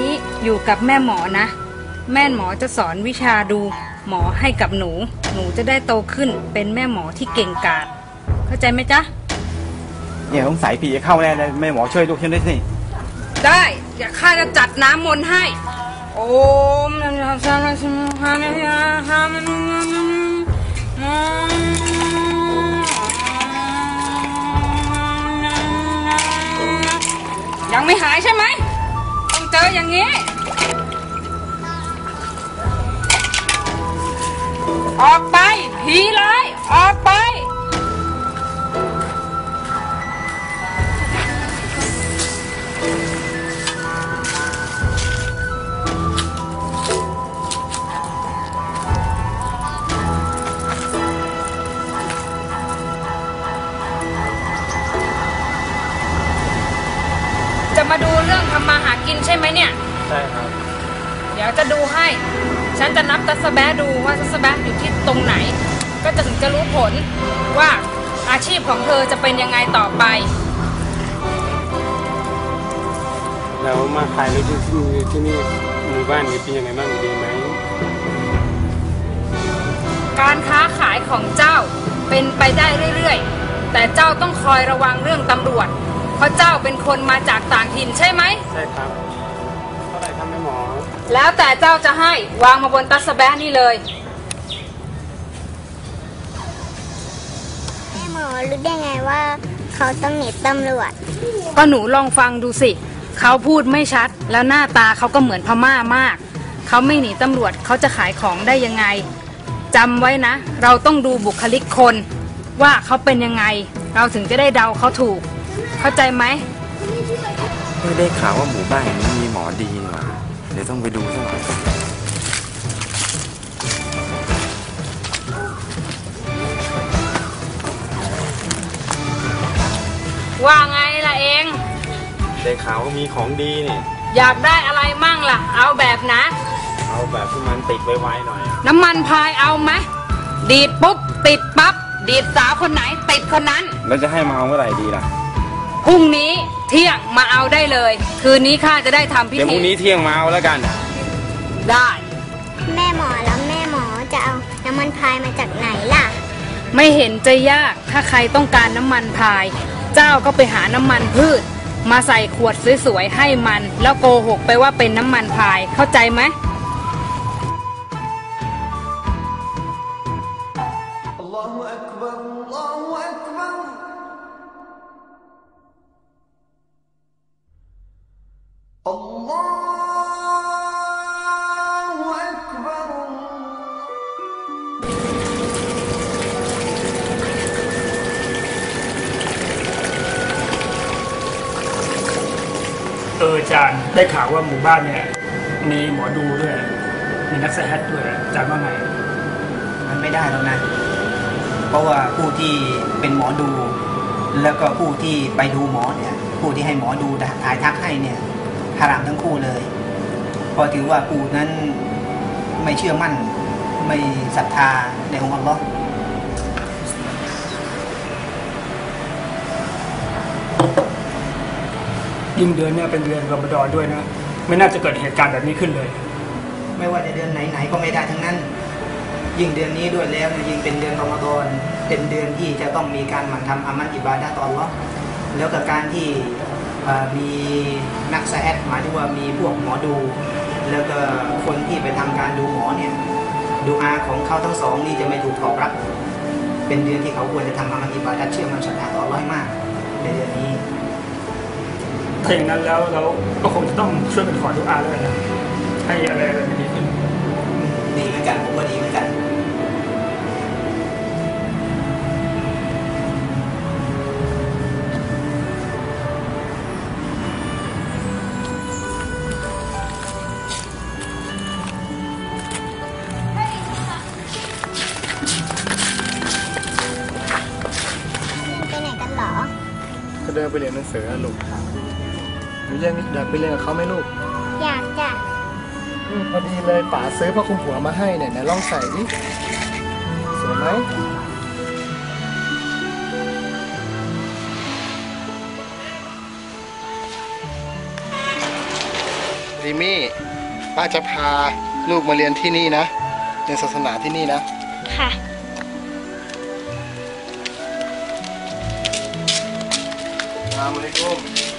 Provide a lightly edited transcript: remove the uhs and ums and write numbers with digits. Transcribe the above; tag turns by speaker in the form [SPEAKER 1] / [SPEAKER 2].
[SPEAKER 1] นี้อยู่กับแม่หมอนะแม่หมอจะสอนวิชาดูหมอให้กับหนูจะได้โตขึ้นเป็นแม่หมอที่เก่งกาจเข้าใจไหมจ๊ะ
[SPEAKER 2] เนี่ยสงสัยผีจะเข้าแน่เลยแม่หมอช่วยลูกฉันด้วยสิ
[SPEAKER 1] ได้เดี๋ยวข้าจะจัดน้ำมนต์ให้โอมยังไม่หายใช่ไหมต้องเจออย่างนี้ออกไปผีร้ายออกไปจะมาดูเรื่องทำมาหากินใช่ไหมเนี่ย
[SPEAKER 2] ใช่ครับ
[SPEAKER 1] เดี๋ยวจะดูให้ฉันจะนับตัสแบะดูว่าตัสแบะอยู่ที่ตรงไหนก็จะถึงจะรู้ผลว่าอาชีพของเธอจะเป็นยังไงต่อไป
[SPEAKER 3] แล้วมาขายรถที่นี่หมู่บ้านนี้เป็นยังไงบ้างดีไหม
[SPEAKER 1] การค้าขายของเจ้าเป็นไปได้เรื่อยๆแต่เจ้าต้องคอยระวังเรื่องตำรวจเพราะเจ้าเป็นคนมาจากต่างถิ่นใช่ไหม
[SPEAKER 3] ใช่ครับเท่าไหร่ครับแม่หมอ
[SPEAKER 1] แล้วแต่เจ้าจะให้วางมาบนตัสแบะนี่เลย
[SPEAKER 4] แม่หมอรู้ได้ไงว่าเขาต้องหนีตำรวจ
[SPEAKER 1] ก็หนูลองฟังดูสิเขาพูดไม่ชัดแล้วหน้าตาเขาก็เหมือนพม่ามากเขาไม่หนีตำรวจเขาจะขายของได้ยังไงจำไว้นะเราต้องดูบุคลิกคนว่าเขาเป็นยังไงเราถึงจะได้เดาเขาถูกเข้าใจไหม
[SPEAKER 2] ไม่ได้ข่าวว่าหมู่บ้านนี้มีหมอดีหว่าเดี๋ยวต้องไปดูสักหน่อย
[SPEAKER 1] ว่าไงล่ะเอง
[SPEAKER 2] ได้ข่าวว่ามีของดีนี่
[SPEAKER 1] อยากได้อะไรมั่งล่ะเอาแบบนะ
[SPEAKER 2] เอาแบบที่มันติดไวๆหน่อย
[SPEAKER 1] น้ำมันพายเอาไหมดีดปุ๊บติดปั๊บดีดสาวคนไหนติดคนนั้น
[SPEAKER 2] แล้วจะให้มาเอาเมื่อไหร่ดีล่ะ
[SPEAKER 1] พรุ่งนี้เที่ยงมาเอาได้เลยคืนนี้ข้าจะได้ทำพิธี
[SPEAKER 2] เดี๋ยวพรุ่งนี้เที่ยงมาเอาแล้วกัน
[SPEAKER 1] ได้
[SPEAKER 4] แม่หมอแล้วแม่หมอจะเอาน้ำมันพายมาจากไหนล่ะ
[SPEAKER 1] ไม่เห็นจะยากถ้าใครต้องการน้ำมันพายเจ้าก็ไปหาน้ำมันพืชมาใส่ขวดสวยๆให้มันแล้วโกหกไปว่าเป็นน้ำมันพายเข้าใจไหม
[SPEAKER 3] อาจารย์ได้ข่าวว่าหมู่บ้านเนี่ยมีหมอดูด้วยมีนักไสยศาสตร์ด้วยอาจารย์ว่าไง
[SPEAKER 5] มันไม่ได้แล้วนะเพราะว่าผู้ที่เป็นหมอดูแล้วก็ผู้ที่ไปดูหมอเนี่ยผู้ที่ให้หมอดูถ่ายทักให้เนี่ยฮารามทั้งคู่เลยเพราะถือว่าผู้นั้นไม่เชื่อมั่นไม่ศรัทธาในองค์อัลลอฮ์
[SPEAKER 3] ยิ่งเดือนเนี่ยเป็นเดือนรอมฎอนด้วยนะไม่น่าจะเกิดเหตุการณ์แบบนี้ขึ้นเลย
[SPEAKER 5] ไม่ว่าจะเดือนไหนๆก็ไม่ได้ทั้งนั้นยิ่งเดือนนี้ด้วยแล้วยิ่งเป็นเดือนรอมฎอนเป็นเดือนที่จะต้องมีการหมั่นทำอามัลอิบาดะห์ต่ออัลเลาะห์แล้วกับการที่มีนักไสยศาสตร์หมายถึงว่ามีพวกหมอดูแล้วก็คนที่ไปทำการดูหมอเนี่ยดูอาของเขาทั้งสองนี่จะไม่ถูกตอบรับเป็นเดือนที่เขาควรจะทำอามัลอิบาดะห์เชื่อมั่นศรัทธาต่ออัลเลาะห์มากในเดือนนี้
[SPEAKER 3] ถ้าอย่างนั้นแล้วเราก็คงจะต้องช่วยกันขอดุอาแล้วนะให้อะไรดีขึ้น
[SPEAKER 5] ดีเหมือนกันผมก็ดีเหมือนกัน
[SPEAKER 4] ไปไหนกันหรอ
[SPEAKER 3] จะเดินไปเรียนหนังสือลูกอยากไปเรียนกับเขาไหมลูก
[SPEAKER 4] อยากจ้ะ
[SPEAKER 3] พอดีเลยป๋าซื้อผ้าคลุมหัวมาให้เนี่ยลองใส่ดิสวยไหม
[SPEAKER 4] พ
[SPEAKER 6] ริมี่ป้าจะพาลูกมาเรียนที่นี่นะเรียนศาสนาที่นี่นะ
[SPEAKER 4] ค่ะ
[SPEAKER 6] อัสสลามุอะลัยกุม